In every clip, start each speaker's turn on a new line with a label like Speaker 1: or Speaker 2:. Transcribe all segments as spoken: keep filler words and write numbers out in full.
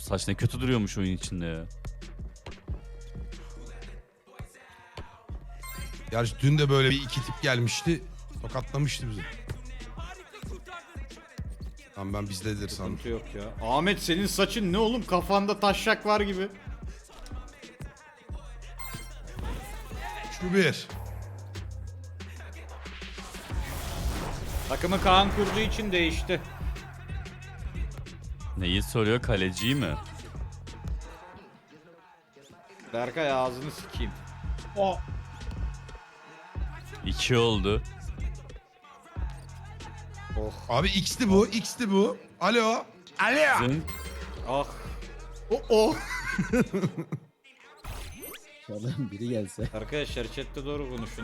Speaker 1: saç ne kötü duruyormuş oyun içinde ya.
Speaker 2: Gerçi dün de böyle bir iki tip gelmişti. Tokatlamıştı bizi. Tamam ben bizdedir sandım.
Speaker 3: Sıkıntı yok ya. Ahmet senin saçın ne oğlum? Kafanda taşak var gibi.
Speaker 2: Şu bir.
Speaker 3: Takımı Kaan kurduğu için değişti.
Speaker 1: Neyi soruyor, kaleciyi mi?
Speaker 3: Berkay ağzını sikeyim.
Speaker 2: O.
Speaker 1: İki oldu.
Speaker 3: Oh.
Speaker 2: Abi X'ti bu. X'ti bu. Alo. Alo.
Speaker 1: Zın.
Speaker 3: Ah. Oh oh.
Speaker 4: Allah'ım biri gelse.
Speaker 3: Arkadaşlar chatte doğru konuşun.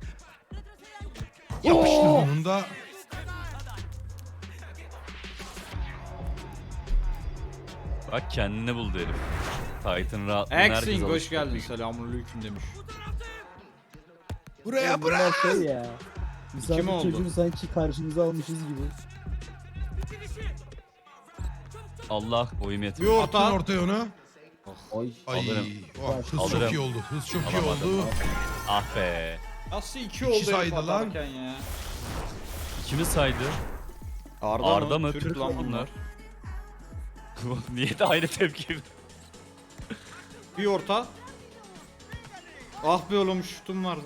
Speaker 2: Yapıştır bunun da.
Speaker 1: Bak kendini buldu herif. Titan rahatlığına herkes
Speaker 3: Axing hoş
Speaker 1: alıştı.
Speaker 3: geldin. Selamünaleyküm demiş.
Speaker 2: Buraya
Speaker 4: Bunlar
Speaker 2: bırak.
Speaker 4: şey ya. Misafir
Speaker 3: oldu?
Speaker 4: çocuğunu sanki karşımıza almışız gibi.
Speaker 1: Allah oyum
Speaker 3: Bir
Speaker 1: yetmiyor.
Speaker 2: Attın
Speaker 3: orta.
Speaker 2: ortaya onu.
Speaker 4: Ay.
Speaker 2: Ay.
Speaker 1: Alırım.
Speaker 2: Oh, hız
Speaker 1: Alırım.
Speaker 2: çok iyi oldu. Hız çok iyi
Speaker 1: Alamadım.
Speaker 2: oldu.
Speaker 1: Ah be.
Speaker 3: Nasıl iki
Speaker 2: İki
Speaker 3: oldu herif
Speaker 2: saydı lan.
Speaker 3: atarken ya?
Speaker 1: Kimi saydı?
Speaker 3: Arda,
Speaker 1: Arda
Speaker 3: mı?
Speaker 1: mı?
Speaker 3: Türk
Speaker 1: Türk
Speaker 3: lan
Speaker 1: bunlar.
Speaker 3: bunlar.
Speaker 1: Niye de aynı tepki?
Speaker 3: Bir orta. Ah be oğlum şutum vardı.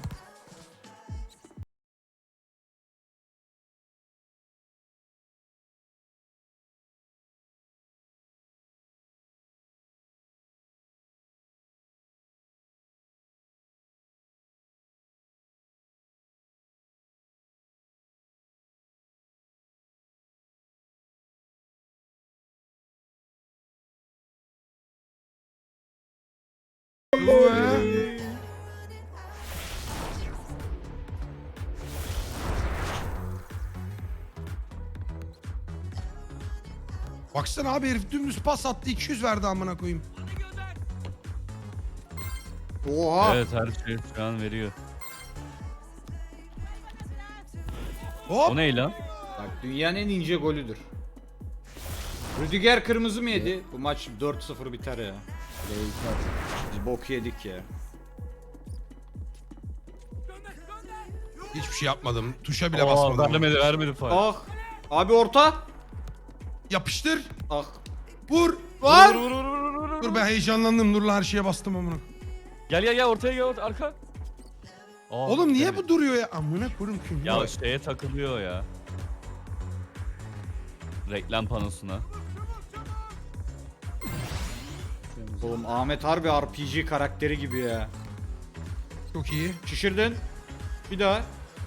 Speaker 2: Bu he. Baksana abi herif dümdüz pas attı iki yüz verdi amına koyayım.
Speaker 3: Oha.
Speaker 1: Evet, her şey şu an veriyor.
Speaker 2: Hop.
Speaker 1: O ne lan?
Speaker 3: Bak dünyanın en ince golüdür. Rüdiger kırmızı mı yedi? Bu maç dört sıfır biter ya.
Speaker 4: Beyler.
Speaker 3: Biz bok yedik ya.
Speaker 2: Hiçbir şey yapmadım. Tuşa bile
Speaker 1: Aa,
Speaker 2: basmadım.
Speaker 1: vermedi vermedi faul.
Speaker 3: Ah. Abi orta.
Speaker 2: Yapıştır.
Speaker 3: Ah.
Speaker 2: Vur.
Speaker 3: Var.
Speaker 1: Vur, vur, vur, vur, vur.
Speaker 2: Dur ben heyecanlandım. Dur lan her şeye bastım amına.
Speaker 1: Gel gel gel ortaya gel arka. Aa,
Speaker 2: Oğlum niye
Speaker 1: vermedi.
Speaker 2: bu duruyor ya? Amına koyayım kim?
Speaker 1: Ya şeye takılıyor ya. Reklam panosuna.
Speaker 3: Oğlum Ahmet harbi R P G karakteri gibi ya.
Speaker 2: Çok iyi.
Speaker 3: Şişirdin. Bir daha.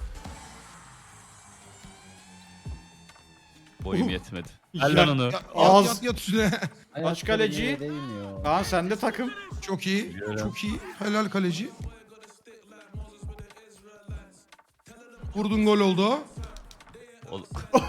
Speaker 1: Boyum yetmedi.
Speaker 3: Ya-
Speaker 1: Gel lan onu.
Speaker 2: Ya, yat,
Speaker 3: Ağız.
Speaker 2: yat yat üstüne.
Speaker 4: Ayakları
Speaker 3: kaleci?
Speaker 4: yere değmiyor.
Speaker 3: Kaan sende takım.
Speaker 2: Çok iyi.
Speaker 1: Biliyorum.
Speaker 2: Çok iyi. Helal kaleci. Vurdun gol oldu o.
Speaker 1: Ol-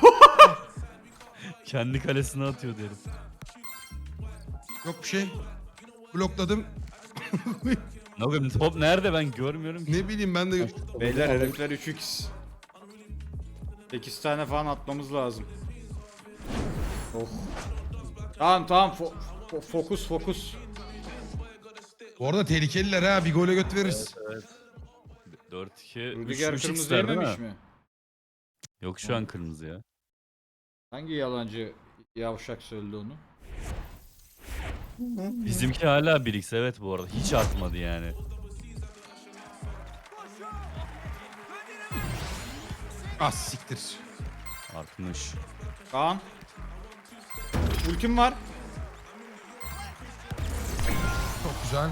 Speaker 1: Kendi kalesine atıyor derim.
Speaker 2: Yok bir şey. Blokladım.
Speaker 1: Ne yapayım, top nerede ben görmüyorum ki.
Speaker 2: Ne bileyim ben de.
Speaker 3: Beyler herifler üç x. sekiz tane falan atmamız lazım. Oh. Tamam tamam fo- fo- fokus fokus.
Speaker 2: Bu arada tehlikeliler ha. Bir gole göt veririz.
Speaker 1: dört iki.
Speaker 3: Rüdiger kırmızı yememiş mi?
Speaker 1: Yok şu an kırmızı ya.
Speaker 3: Hangi yalancı yavşak söyledi onu?
Speaker 1: Bizimki hala bir x evet bu arada. Hiç artmadı yani.
Speaker 2: Ah siktir.
Speaker 1: Artmış.
Speaker 3: Kaan. Ultim var.
Speaker 2: Çok güzel.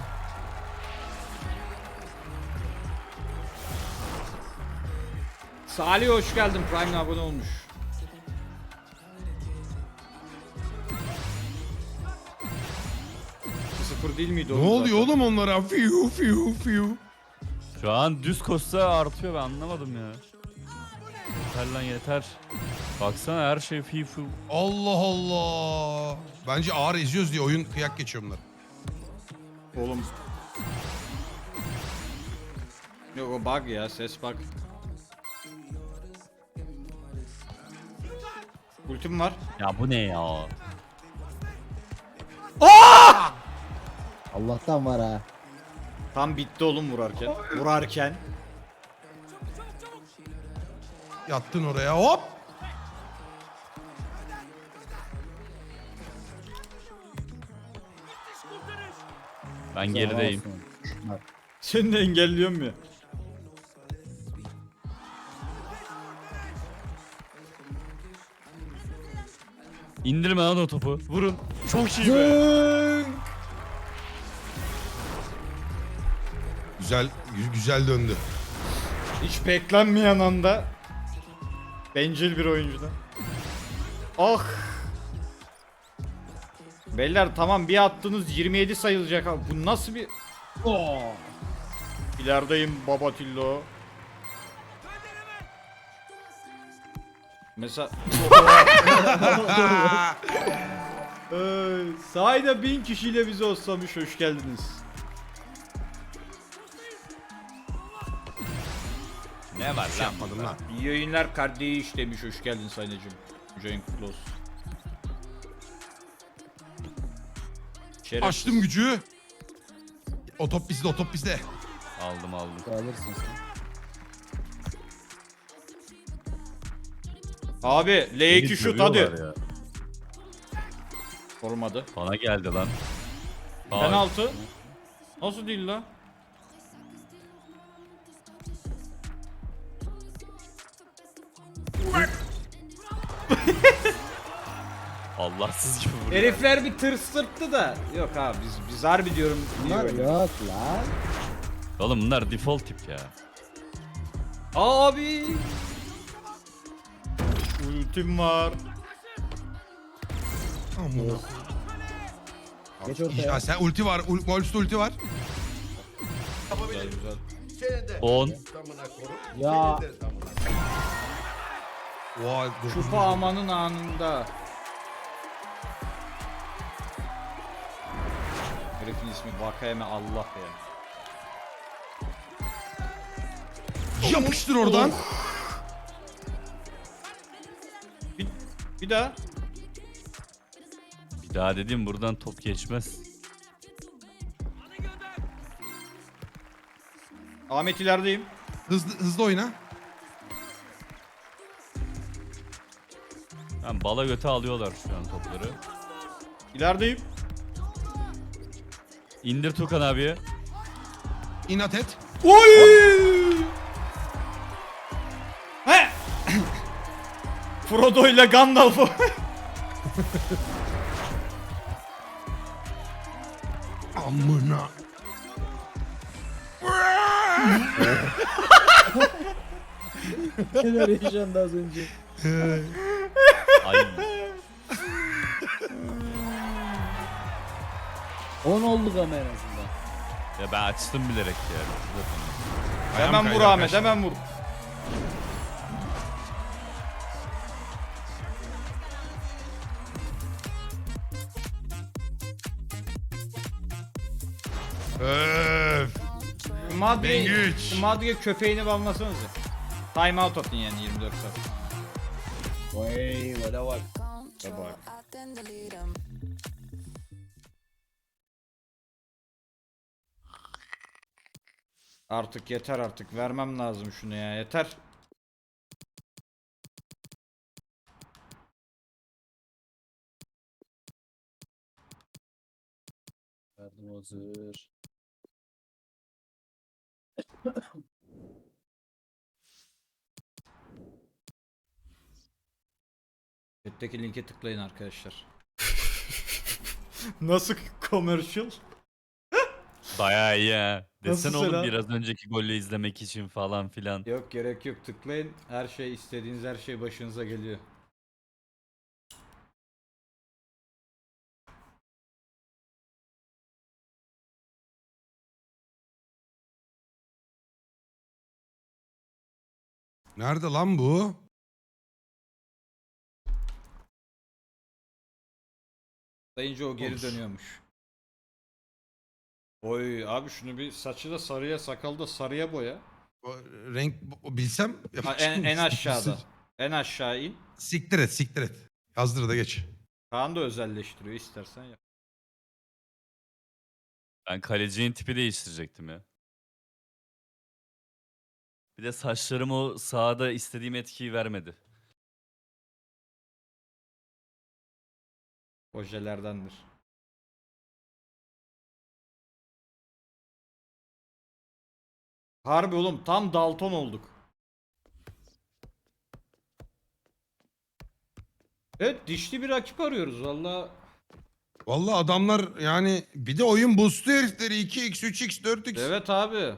Speaker 3: Salih hoş geldin. Prime'le abone olmuş. sıfır değil miydi
Speaker 2: Ne
Speaker 3: oğlum
Speaker 2: oluyor
Speaker 3: zaten?
Speaker 2: oğlum onlara? Fiu fiu fiu.
Speaker 1: Şu an düz koşsa artıyor, ben anlamadım ya. Yeter lan yeter. Baksana her şey fifu.
Speaker 2: Allah Allah. Bence ağır eziyoruz diye oyun kıyak geçiyor bunlar.
Speaker 3: Oğlum. Yok o bug ya, ses bug. Ultim var.
Speaker 1: Ya bu ne ya?
Speaker 4: Allah'tan var ha.
Speaker 3: Tam bitti oğlum vurarken. Vurarken.
Speaker 2: Yattın oraya hop.
Speaker 1: Ben gerideyim.
Speaker 4: Olsun. Bak,
Speaker 3: Seni de engelliyorum ya.
Speaker 1: İndirme lan o topu. Vurun. Çok iyi be.
Speaker 4: Zing!
Speaker 2: Güzel gü- güzel döndü.
Speaker 3: Hiç beklenmeyen anda bencil bir oyuncudan. Ah. Beyler tamam bir attınız yirmi yedi sayılacak abi. Bu nasıl bir...
Speaker 4: Oh!
Speaker 3: İlerideyim Babatillo. Mesela... Ee, sahada bin kişiyle bizi oslamış, hoş geldiniz.
Speaker 1: Ne var lan?
Speaker 2: Yapmadım lan.
Speaker 3: İyi yayınlar kardeş demiş, hoş geldin Saynacığım. Join kutlu olsun. Şerefsiz.
Speaker 2: Açtım gücü. O top bizde, o top bizde.
Speaker 1: Aldım aldım.
Speaker 4: Alırsın sen.
Speaker 3: Abi L iki şut hadi. Olmadı.
Speaker 1: Bana geldi lan. Faul.
Speaker 3: Penaltı. Nasıl değil la?
Speaker 1: Allahsız gibi vuruyor.
Speaker 3: Herifler bir tırsırttı da. Yok abi biz biz harbi diyorum.
Speaker 4: Bunlar
Speaker 3: diyorum.
Speaker 4: yok lan.
Speaker 1: Oğlum bunlar default tip ya.
Speaker 3: Abi. Ultim var.
Speaker 2: Aman.
Speaker 4: Geç ortaya.
Speaker 2: Ya sen ulti var. Ul Wolves'te ulti var.
Speaker 3: Güzel güzel.
Speaker 1: on.
Speaker 4: Ya
Speaker 2: Vay dur.
Speaker 3: Kupa amanın anında. Herifin ismi Vakayeme Allah ya.
Speaker 2: Yapıştır oradan.
Speaker 3: Bir, bir daha.
Speaker 1: Bir daha dedim buradan top geçmez.
Speaker 3: Ahmet ilerideyim.
Speaker 2: Hızlı hızlı oyna.
Speaker 1: Ben bala göte alıyorlar şu an topları.
Speaker 3: İlerideyim.
Speaker 1: İndir Tukan abiye.
Speaker 2: İnat et.
Speaker 3: Oy! He! Frodo ile Gandalf'ı.
Speaker 2: Amına.
Speaker 4: neler yaşandı az önce.
Speaker 1: Ay.
Speaker 4: on olduk ama en azından.
Speaker 1: Ya ben açtım bilerek ya.
Speaker 2: Ayağım
Speaker 3: Hemen
Speaker 2: kaydı
Speaker 3: vur Ahmet,
Speaker 2: arkadaşlar.
Speaker 3: hemen vur.
Speaker 2: Öf.
Speaker 3: Madri'ye
Speaker 2: Bengüç.
Speaker 3: Madri'ye köpeğini banlasanıza. Time out atın yani yirmi dört saat.
Speaker 4: Vay vada bak.
Speaker 3: Bak. Artık yeter artık. Vermem lazım şunu ya. Yeter.
Speaker 4: Verdim hazır.
Speaker 3: Chat'teki linke tıklayın arkadaşlar. Nasıl commercial?
Speaker 1: Bayağı iyi ha.
Speaker 3: Nasıl
Speaker 1: Desene oğlum
Speaker 3: selam?
Speaker 1: biraz önceki golü izlemek için falan filan.
Speaker 3: Yok gerek yok, tıklayın. Her şey, istediğiniz her şey başınıza geliyor.
Speaker 2: Nerede lan bu?
Speaker 3: Sayınca o geri
Speaker 2: Olur.
Speaker 3: dönüyormuş. Oy abi şunu bir saçı da sarıya, sakalı da sarıya boya.
Speaker 2: O renk o bilsem
Speaker 3: Ha,
Speaker 2: yapacağım.
Speaker 3: en, en aşağıda. En aşağı in.
Speaker 2: Siktir et siktir et. Yazdır da geç.
Speaker 3: Kaan da özelleştiriyor, istersen yap.
Speaker 1: Ben kalecinin tipi değiştirecektim ya. Bir de saçlarım o sahada istediğim etkiyi vermedi.
Speaker 3: Ojelerdendir. Harbi oğlum tam Dalton olduk. Evet dişli bir rakip arıyoruz valla.
Speaker 2: Vallahi adamlar yani bir de oyun boostlu herifleri iki x, üç x, dört x.
Speaker 3: Evet abi.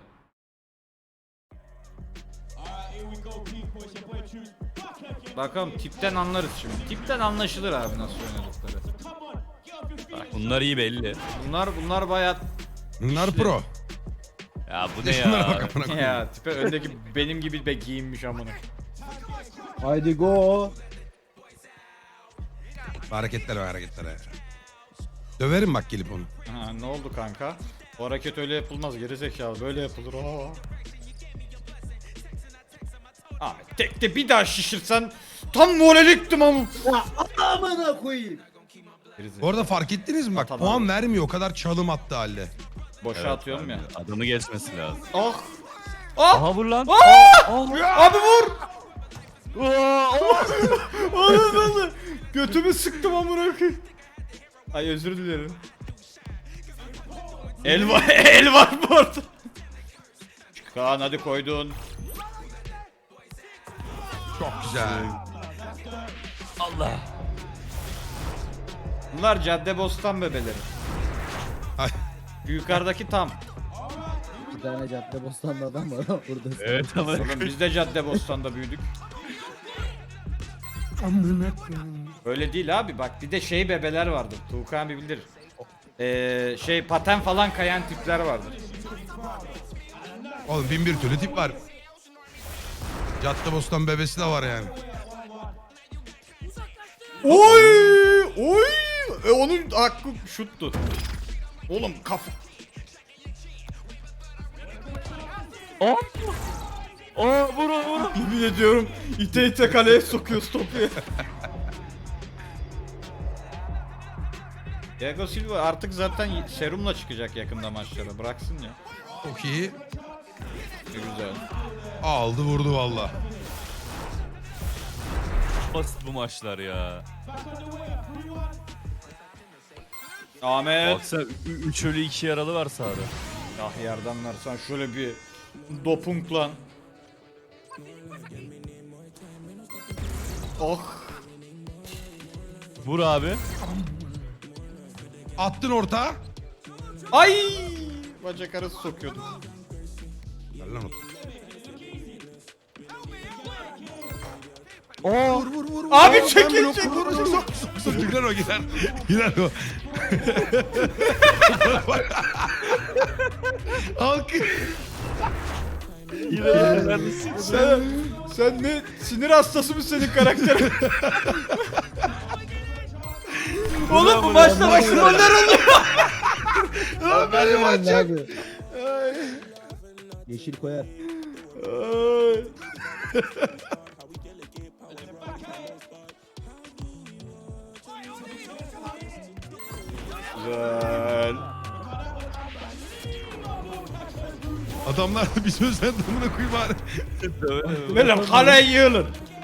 Speaker 3: Bakalım tipten anlarız şimdi. Tipten anlaşılır abi nasıl oynadıkları.
Speaker 1: Bak bunlar iyi belli.
Speaker 3: Bunlar bunlar bayağı
Speaker 2: Bunlar
Speaker 3: İşte.
Speaker 2: pro.
Speaker 1: Ya bu ne
Speaker 2: Şunlara
Speaker 1: ya?
Speaker 2: bak amına koyayım.
Speaker 3: ya tipe öndeki benim gibi be giyinmiş amına.
Speaker 4: Haydi go.
Speaker 2: Hareketlere hareketlere. Döverim bak gelip onu.
Speaker 3: Ha, ne oldu kanka? O hareket öyle yapılmaz gerizekalı böyle yapılır. Aa. Abi tekte bir daha şişirsen tam moraliktim ama.
Speaker 4: Amına koyayım.
Speaker 2: Bu arada fark ettiniz mi bak
Speaker 3: Atan
Speaker 2: puan
Speaker 3: abi.
Speaker 2: vermiyor o kadar çalım attı halde.
Speaker 3: Boşa
Speaker 1: Evet
Speaker 3: atıyorum
Speaker 1: abi,
Speaker 3: ya.
Speaker 1: Adamı geçmesi lazım.
Speaker 3: Ah! Ah!
Speaker 1: Aha vur lan.
Speaker 3: Abi vur! Oğlum nasıl? Götümü sıktım amına koyayım. Ay özür dilerim. El var, el var bu arada. Kaan hadi koydun.
Speaker 2: Çok güzel.
Speaker 1: Allah.
Speaker 3: Bunlar Caddebostan bebeleri.
Speaker 2: Ay,
Speaker 3: Şu yukarıdaki tam.
Speaker 4: Bir tane cadde bostanlı adam var ha burada.
Speaker 1: Evet ama
Speaker 3: Oğlum biz de Caddebostan'da büyüdük. Öyle değil abi bak bir de şey bebeler vardır. Tuğkan bir bilir. Ee, şey paten falan kayan tipler vardır.
Speaker 2: oğlum bin bir türlü tip var. Caddebostan bebesi de var yani.
Speaker 3: Oy! Oy! E onun hakkı şuttu. Oğlum kafa.
Speaker 1: Aa! Aa vur vur.
Speaker 3: Yemin ediyorum ite ite kaleye sokuyoruz topu ya. Thiago Silva artık zaten serumla çıkacak yakında maçlara. Bıraksın ya.
Speaker 2: Çok iyi.
Speaker 3: Ne güzel.
Speaker 2: Aldı vurdu valla.
Speaker 1: Basit bu maçlar ya.
Speaker 3: Ahmet.
Speaker 1: Baksana üç ölü iki yaralı var sahada.
Speaker 3: Ah yerdanlar sen şöyle bir dopunk lan. Oh.
Speaker 1: Vur abi.
Speaker 2: Attın orta.
Speaker 3: Ay! Bacak arası sokuyordum.
Speaker 2: Ver lan otur.
Speaker 1: Oo.
Speaker 2: Vur vur vur. vur.
Speaker 3: Abi
Speaker 2: Ben
Speaker 3: çekil,
Speaker 2: blok-
Speaker 3: çekil.
Speaker 2: Vur vur sok sok sok. Gider o gider. Gider o. Alkış.
Speaker 1: Yine neredesin?
Speaker 3: Sen, sen ne sinir hastası mı senin karakterin? Oğlum bu maçta bak roller oluyor.
Speaker 2: Benim
Speaker 4: Aynen
Speaker 2: açacak.
Speaker 4: abi. Yeşil koyar.
Speaker 3: Ay. Güzel.
Speaker 2: Adamlar da bir söz sen damına koyayım bari.
Speaker 3: Böyle kaleye yığılın.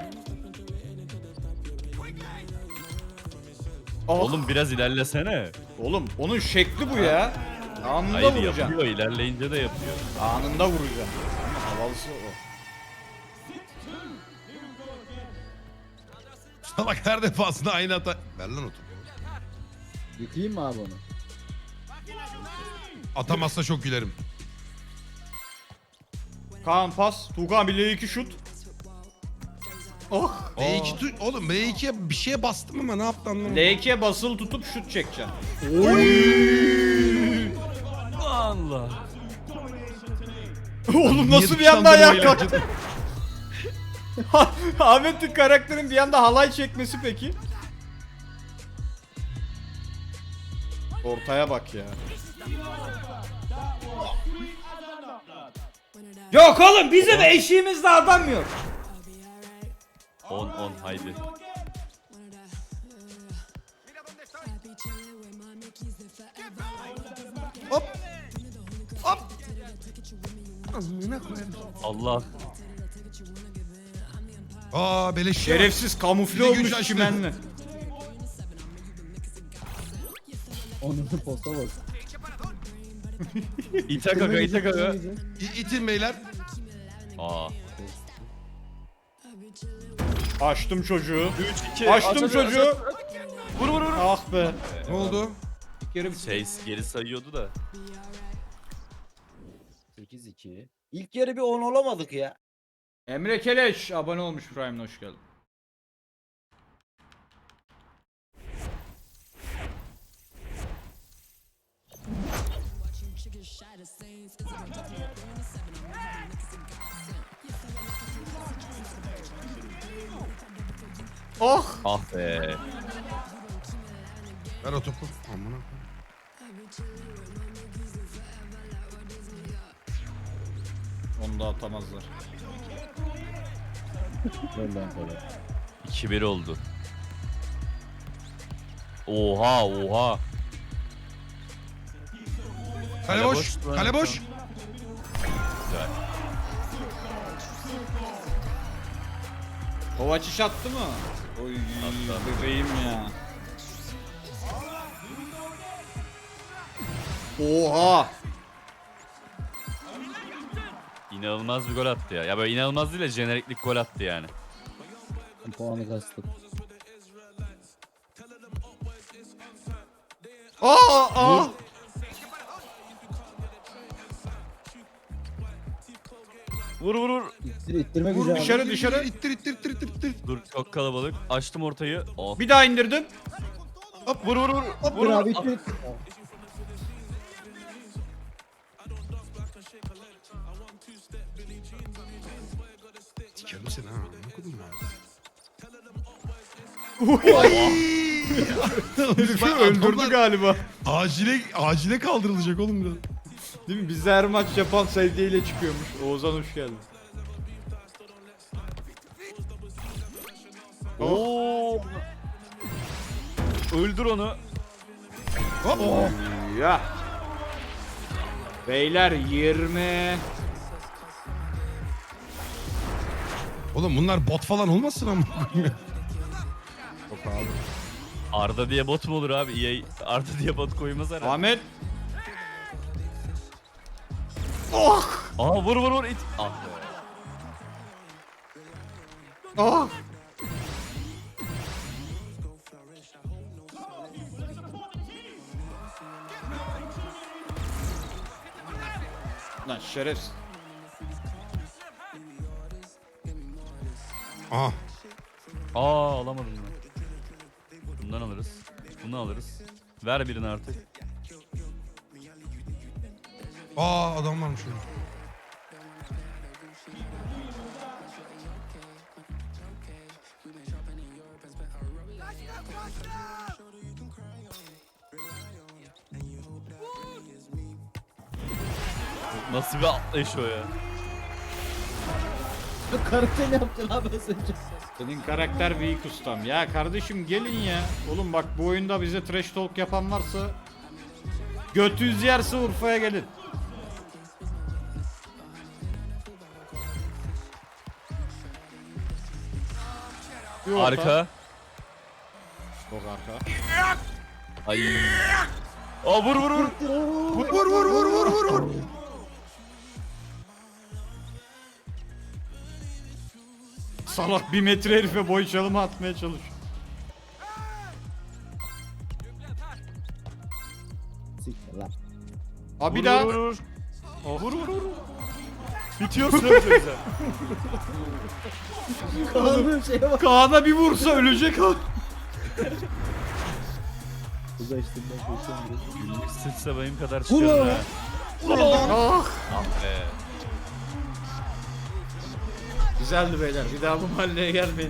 Speaker 3: Oh.
Speaker 1: Oğlum biraz ilerlesene.
Speaker 3: Oğlum onun şekli bu ya. Anında
Speaker 1: Hayır
Speaker 3: vuracaksın.
Speaker 1: yapıyor, ilerleyince de yapıyor.
Speaker 3: Anında vuracaksın. Ama havalısı o.
Speaker 2: Salak her defasında aynı hata. Ver lan otur.
Speaker 4: Yıkayayım mı abi onu?
Speaker 2: Atamazsa çok gülerim.
Speaker 3: Kaan pas. Tuğkan bir L iki şut. Oh.
Speaker 2: B iki tu- oğlum B ikiye bir şeye bastım ama ne yaptı anlamadım.
Speaker 3: L ikiye basılı tutup şut çekeceksin.
Speaker 1: Allah.
Speaker 3: Oğlum
Speaker 2: Niye
Speaker 3: nasıl bir anda
Speaker 2: dışlandım
Speaker 3: ayağa
Speaker 2: o
Speaker 3: kalktı? Ahmet'in karakterin bir anda halay çekmesi peki? Ortaya bak ya. Yok oğlum bizim eşiğimizde adam yok.
Speaker 1: on on haydi.
Speaker 2: Hop. Amına koyarım.
Speaker 1: Allah.
Speaker 2: Aa beleş.
Speaker 3: Şerefsiz kamufle
Speaker 2: Bir de güç
Speaker 3: olmuş
Speaker 2: açtı.
Speaker 3: çimenli.
Speaker 4: Onun posta bak.
Speaker 1: İte kaka ite kaka.
Speaker 2: İ- İtin beyler.
Speaker 1: Aa.
Speaker 3: Açtım çocuğu.
Speaker 1: üç iki.
Speaker 3: Açtım çocuğu.
Speaker 1: Vur vur vur.
Speaker 3: Ah be.
Speaker 2: Ne oldu?
Speaker 1: Şey geri sayıyordu da.
Speaker 5: sekiz iki. İlk yarı bir on olamadık ya.
Speaker 3: Emre Keleş abone olmuş, Prime'le hoş geldin. Oh!
Speaker 1: Ah be.
Speaker 2: Ver o topu. Amına koyayım.
Speaker 3: Onu da atamazlar.
Speaker 4: Önden sonra.
Speaker 1: iki bir oldu. Oha oha.
Speaker 2: Kale
Speaker 1: Kale
Speaker 2: boş.
Speaker 1: boş lan.
Speaker 2: Kale boş.
Speaker 1: Güzel.
Speaker 3: Kovaç iş attı mı? Oy
Speaker 1: Attı.
Speaker 3: bebeğim ya. Oha!
Speaker 1: İnanılmaz bir gol attı ya. Ya böyle inanılmaz değil de jeneriklik gol attı yani.
Speaker 4: Puanı kastık.
Speaker 3: Aa! Aa!
Speaker 1: Vur vur vur.
Speaker 4: İttir, ittirme
Speaker 2: Vur
Speaker 4: gücü abi.
Speaker 3: dışarı. dışarı.
Speaker 2: İttir ittir ittir ittir ittir.
Speaker 1: Dur çok kalabalık. Açtım ortayı. Oh.
Speaker 3: Bir daha indirdim.
Speaker 1: Hop vur vur vur.
Speaker 4: Hop
Speaker 1: Vur
Speaker 4: bir
Speaker 1: vur.
Speaker 4: abi ittir. ittir.
Speaker 2: Sikerim seni ha. Ne kodum ya.
Speaker 3: Herifi
Speaker 2: Bak,
Speaker 3: öldürdü
Speaker 2: adamlar
Speaker 3: galiba.
Speaker 2: Acile acile kaldırılacak oğlum biraz.
Speaker 3: Değil mi? Bizde her maç yapan sevdiğiyle çıkıyormuş. Oğuzhan hoş geldin.
Speaker 1: Oo. Öldür onu.
Speaker 2: Hop.
Speaker 3: Ya. Beyler yirmi.
Speaker 2: Oğlum bunlar bot falan olmasın ama.
Speaker 1: Arda diye bot mu olur abi? E A Arda diye bot koymaz herhalde.
Speaker 3: Ahmet.
Speaker 1: Aa vur vur vur it. Ah be.
Speaker 3: Ah. Lan şerefsiz.
Speaker 2: Aha.
Speaker 1: Aa alamadım ben. Bundan alırız. Bunu alırız. Ver birini artık.
Speaker 2: Aa adam varmış orada.
Speaker 1: Nasıl bir atlayış o ya?
Speaker 4: Karakter yaptın abi az önce.
Speaker 3: Senin karakter büyük ustam. Ya kardeşim gelin ya. Oğlum bak bu oyunda bize trash talk yapan varsa götünüz yerse Urfa'ya gelin. Bir orta.
Speaker 1: Arka.
Speaker 3: Çok arka.
Speaker 1: Ay. Aa vur vur vur.
Speaker 2: Vur vur vur vur vur vur vur.
Speaker 3: Salak bir metre herife boy çalımı atmaya çalış.
Speaker 4: Siktir lan.
Speaker 3: Abi
Speaker 1: Vur,
Speaker 3: daha.
Speaker 1: vur vur. Oh. Vur vur vur. Bitiyor süre bitiyor güzel.
Speaker 4: Kaan'ın şeye bak.
Speaker 3: Kaan'a bir vursa ölecek o.
Speaker 4: Uzlaştığımdan koşuyorum.
Speaker 1: Günlük sıçsa benim kadar
Speaker 4: Vur
Speaker 1: çıkıyor
Speaker 4: lan.
Speaker 1: ha.
Speaker 3: Ah.
Speaker 1: Ah be.
Speaker 3: Güzeldi beyler. Bir daha bu mahalleye gelmeyin.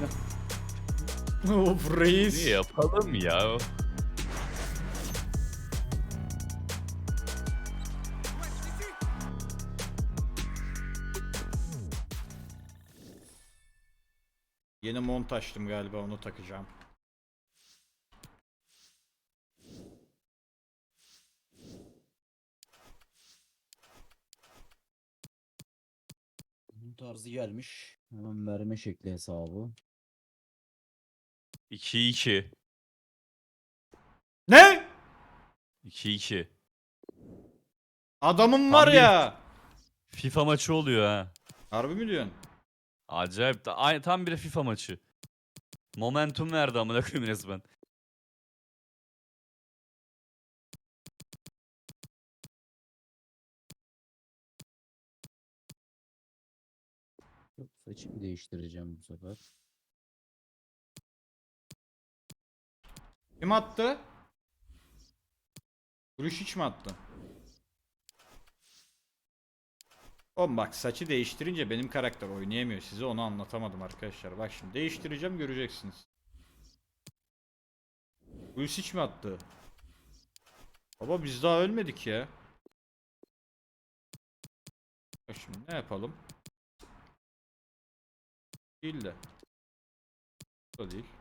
Speaker 3: Of reis.
Speaker 1: Ne yapalım ya?
Speaker 3: Yeni mont açtım galiba, onu takacağım.
Speaker 4: tarzı gelmiş. Hemen verme şekli hesabı.
Speaker 1: iki iki.
Speaker 3: Ne?
Speaker 1: iki iki.
Speaker 3: Adamım
Speaker 1: Tam
Speaker 3: var
Speaker 1: bir-
Speaker 3: ya.
Speaker 1: FIFA maçı oluyor ha.
Speaker 3: Harbi mi diyorsun?
Speaker 1: Acayip. Da, aynı, tam bir FIFA maçı. Momentum verdi amına koyayım resmen.
Speaker 4: Yok, saçımı değiştireceğim bu sefer.
Speaker 3: Kim attı? Kuruş hiç mi attı? Oğlum bak saçı değiştirince benim karakter oynayamıyor. Size onu anlatamadım arkadaşlar. Bak şimdi değiştireceğim göreceksiniz. Kuruş hiç mi attı? Baba biz daha ölmedik ya. Bak şimdi ne yapalım? Değil de. Bu da değil.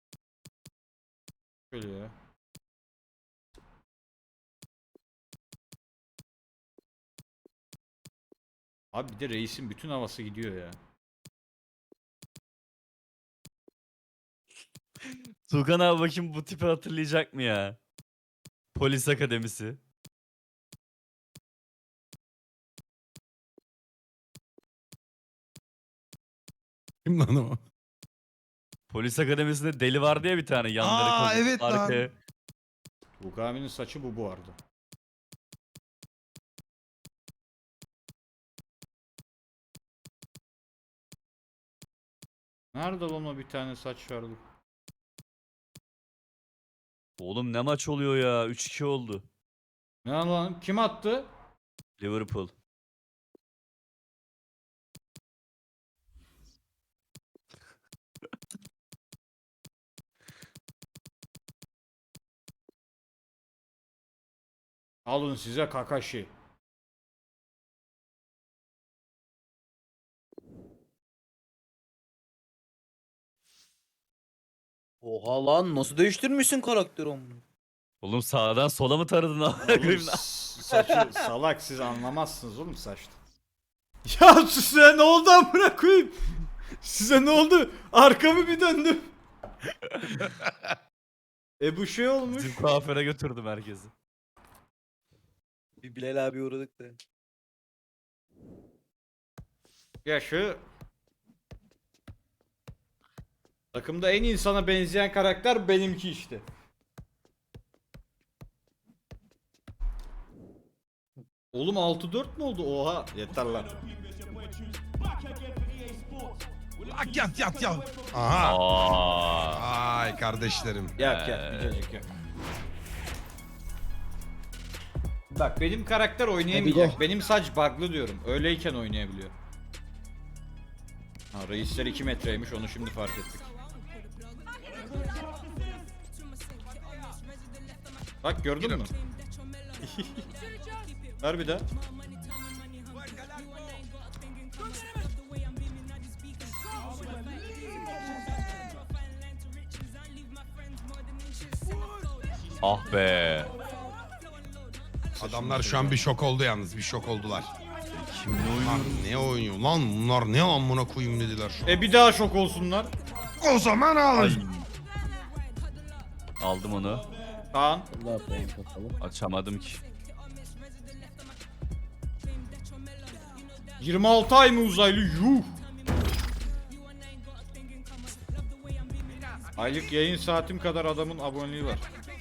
Speaker 3: Şöyle ya. Abi bir de reisin bütün havası gidiyor ya.
Speaker 1: Tuğkan abi bakayım bu tipi hatırlayacak mı ya? Polis akademisi.
Speaker 2: Kim lan o?
Speaker 1: Polis akademisinde deli vardı ya bir tane yanları
Speaker 2: Aa,
Speaker 1: kazık,
Speaker 2: evet lan.
Speaker 1: arkaya.
Speaker 3: Bugami'nin saçı bu bu arada. Nerede lan o bir tane saç vardı?
Speaker 1: Oğlum ne maç oluyor ya? üç iki oldu.
Speaker 3: Ne lan? Kim attı?
Speaker 1: Liverpool.
Speaker 3: Alın size Kakashi.
Speaker 5: Oha lan nasıl değiştirmişsin karakteri onu?
Speaker 1: Oğlum sağdan sola mı taradın amına
Speaker 3: Oğlum,
Speaker 1: koyayım?
Speaker 3: s- saçı salak siz anlamazsınız oğlum saçta. Ya size ne oldu amına koyayım? Size ne oldu? Arkamı bir döndüm. E bu şey olmuş.
Speaker 1: Bizim kuaföre götürdüm herkesi.
Speaker 5: Bir Bilal abi uğradık da.
Speaker 3: Ya şu takımda en insana benzeyen karakter benimki işte. Oğlum altı dört mü oldu? Oha yeter lan.
Speaker 2: Ak yat yat yat. Aha.
Speaker 1: Aa.
Speaker 2: Ay kardeşlerim.
Speaker 3: Yak yak gidecek yak. Bak benim karakter oynayamayacak.
Speaker 4: go.
Speaker 3: Benim saç bug'lı diyorum. Öyleyken oynayabiliyor. Ha reisler iki metreymiş onu şimdi fark ettik. Bak gördün mü? Ver bir daha.
Speaker 1: Ah be.
Speaker 2: Adamlar şu an bir şok oldu yalnız. Bir şok oldular.
Speaker 1: Kimle
Speaker 2: Lan
Speaker 1: oynuyorum?
Speaker 2: ne oynuyor lan bunlar ne amına koyayım dediler şu an.
Speaker 3: E bir daha şok olsunlar.
Speaker 2: O zaman
Speaker 1: Ay.
Speaker 2: alın.
Speaker 1: Aldım onu.
Speaker 3: Kaan.
Speaker 4: Allah puan kapalı.
Speaker 1: Açamadım ki.
Speaker 3: yirmi altı ay mı uzaylı? Yuh. Aylık yayın saatim kadar adamın aboneliği var.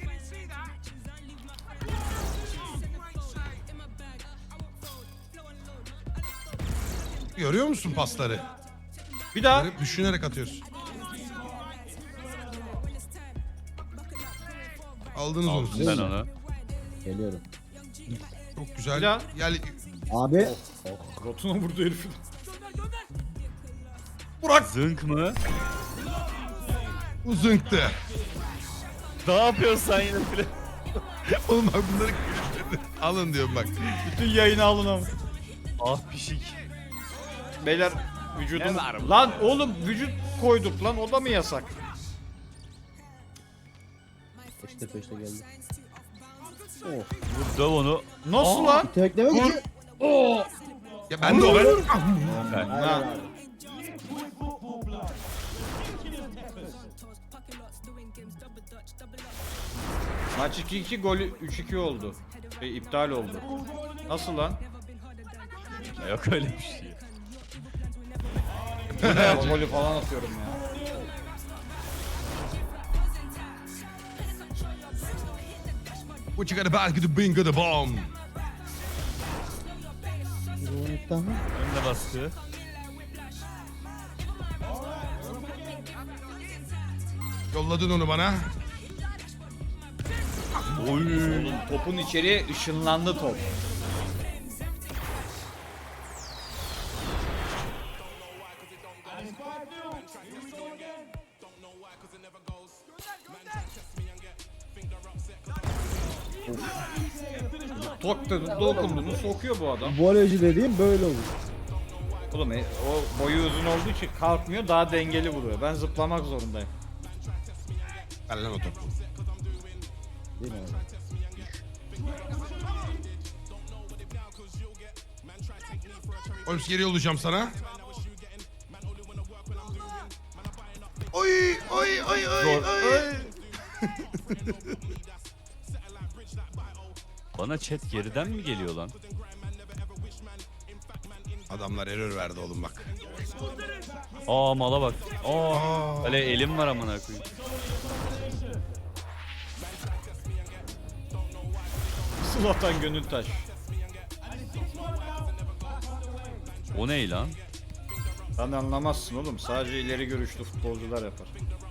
Speaker 2: Görüyor musun pasları?
Speaker 3: Bir daha.
Speaker 2: Hep düşünerek atıyorsun. Aldınız onu
Speaker 1: Aldım
Speaker 2: siz.
Speaker 1: ben onu.
Speaker 4: Geliyorum.
Speaker 2: Çok güzel.
Speaker 3: Bir daha.
Speaker 2: Gel.
Speaker 4: Abi.
Speaker 3: Rotuna vurdu herifin.
Speaker 2: Burak
Speaker 1: Zınk mı?
Speaker 2: uzunktı.
Speaker 1: Ne yapıyorsun sen yine bile?
Speaker 2: Oğlum bak bunları alın diyorum bak.
Speaker 3: Bütün yayını alın ama.
Speaker 1: Ah pişik.
Speaker 3: Beyler vücudum...
Speaker 1: Ne var bu?
Speaker 3: Lan oğlum vücut koyduk lan o da mı yasak?
Speaker 4: Peşte peşte geldi. Oh.
Speaker 1: Döv onu.
Speaker 3: Nasıl
Speaker 1: Aa,
Speaker 3: lan?
Speaker 4: Tekleme gücü. Oh.
Speaker 2: Ya ben de o ben.
Speaker 1: Ben.
Speaker 4: Aynen
Speaker 3: Ha.
Speaker 4: abi.
Speaker 3: Maç iki iki golü üç iki oldu. Şey, iptal oldu. Nasıl lan?
Speaker 1: Yok öyle bir şey.
Speaker 3: O golü falan atıyorum ya.
Speaker 2: What you got about the bingo the bomb.
Speaker 4: Ruhunluktan mı?
Speaker 1: Önde baskı.
Speaker 2: Yolladın onu bana.
Speaker 3: Oğlum topun içeriye ışınlandı top. Tok da dokunduğunu sokuyor bu adam.
Speaker 4: Voleyci dediğim böyle olur.
Speaker 3: Oğlum e, o boyu uzun olduğu için kalkmıyor, daha dengeli vuruyor. Ben zıplamak zorundayım.
Speaker 2: Ver lan o topu.
Speaker 4: Değil mi abi?
Speaker 2: Holmes geri yollayacağım sana. Oy oy oy oy oy.
Speaker 1: Bana chat geriden mi geliyor lan?
Speaker 2: Adamlar error verdi oğlum bak.
Speaker 1: Aa mala bak. Aa.
Speaker 2: Aa.
Speaker 1: Öyle elim var amına koyayım.
Speaker 3: Zlatan Gönültaş.
Speaker 1: O ne lan?
Speaker 3: Sen anlamazsın oğlum. Sadece ileri görüşlü futbolcular yapar.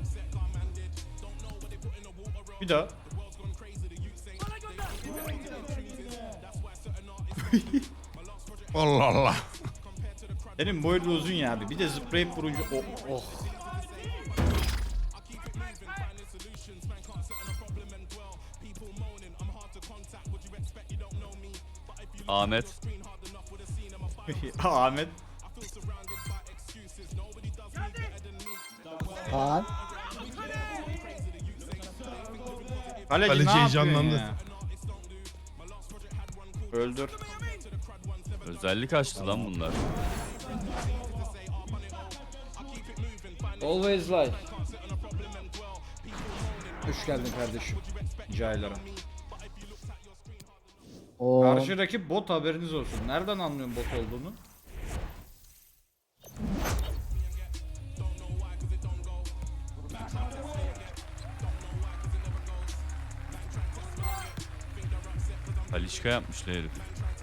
Speaker 3: Bir daha.
Speaker 2: Allah Allah.
Speaker 3: Senin boyun uzun ya abi. Bir de zıplayıp vurunca oh oh.
Speaker 1: Ahmet.
Speaker 3: Ahmet.
Speaker 4: Kaan.
Speaker 3: Kaleci,
Speaker 2: Kaleci
Speaker 3: ne yapıyorsun
Speaker 2: heyecanlandı.
Speaker 3: ya? Öldür.
Speaker 1: Özellik açtı lan bunlar.
Speaker 3: Always lie. Hoş geldin kardeşim. Rica ederim.
Speaker 4: O
Speaker 3: Karşı rakip bot, haberiniz olsun. Nereden anlıyorsun bot olduğunu?
Speaker 1: Halişka yapmışlar herif.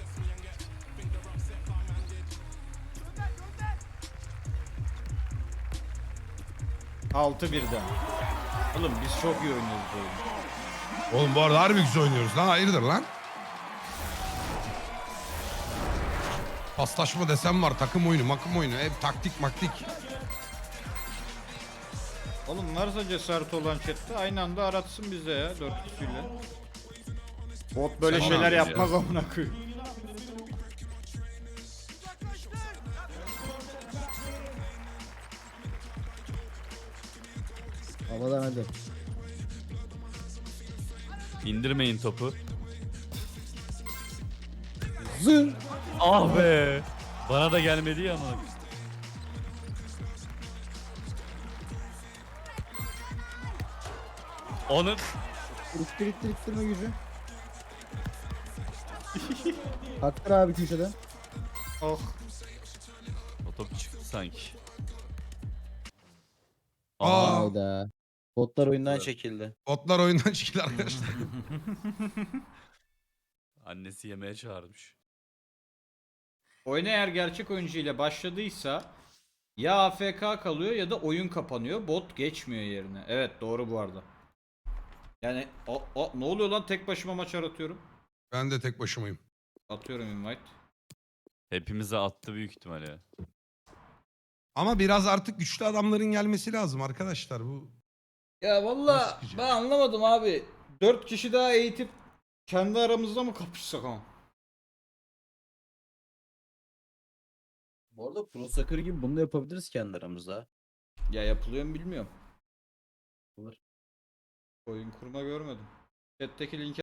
Speaker 3: altı birden. Oğlum biz çok iyi oynuyoruz bu oyunu.
Speaker 2: Oğlum bu arada harbi güzel oynuyoruz lan. Hayırdır lan? Paslaşma desem var. Takım oyunu, makım oyunu. Hep taktik maktik.
Speaker 3: Oğlum varsa cesaret olan chatte aynı anda aratsın bize ya dört kişiyle. Bot böyle
Speaker 1: Sen
Speaker 3: şeyler
Speaker 1: ne yapıyorsun
Speaker 3: yapmaz amına koyayım.
Speaker 4: havadan hadi.
Speaker 1: İndirmeyin topu.
Speaker 4: Zın.
Speaker 1: Ah be. Bana da gelmedi ya ama. Onun
Speaker 4: İttir ittir ittirme gücü. Hakkır abi köşeden.
Speaker 3: Oh.
Speaker 1: o top çıktı sanki.
Speaker 2: Aa.
Speaker 4: Hayda. Botlar oyundan
Speaker 5: Oyundan
Speaker 4: çek.
Speaker 5: çekildi.
Speaker 2: Botlar oyundan çıktı arkadaşlar.
Speaker 1: Annesi yemeğe çağırmış.
Speaker 3: Oyun eğer gerçek oyuncu ile başladıysa ya A F K kalıyor ya da oyun kapanıyor. Bot geçmiyor yerine. Evet doğru bu arada. Yani o, o, ne oluyor lan, tek başıma maç aratıyorum.
Speaker 2: Ben de tek başımayım.
Speaker 3: Atıyorum invite.
Speaker 1: Hepimize attı büyük ihtimalle ya.
Speaker 2: Ama biraz artık güçlü adamların gelmesi lazım arkadaşlar. Bu
Speaker 3: Ya
Speaker 2: Nasıl
Speaker 3: valla
Speaker 2: sıkıcı?
Speaker 3: ben anlamadım abi. dört kişi daha eğitip kendi aramızda mı kapışsak ama?
Speaker 5: Bu arada Pro Soccer gibi bunu da yapabiliriz kendi aramızda.
Speaker 3: Ya yapılıyor mu bilmiyorum.
Speaker 5: Olur.
Speaker 3: Oyun kurma görmedim. Chat'teki linki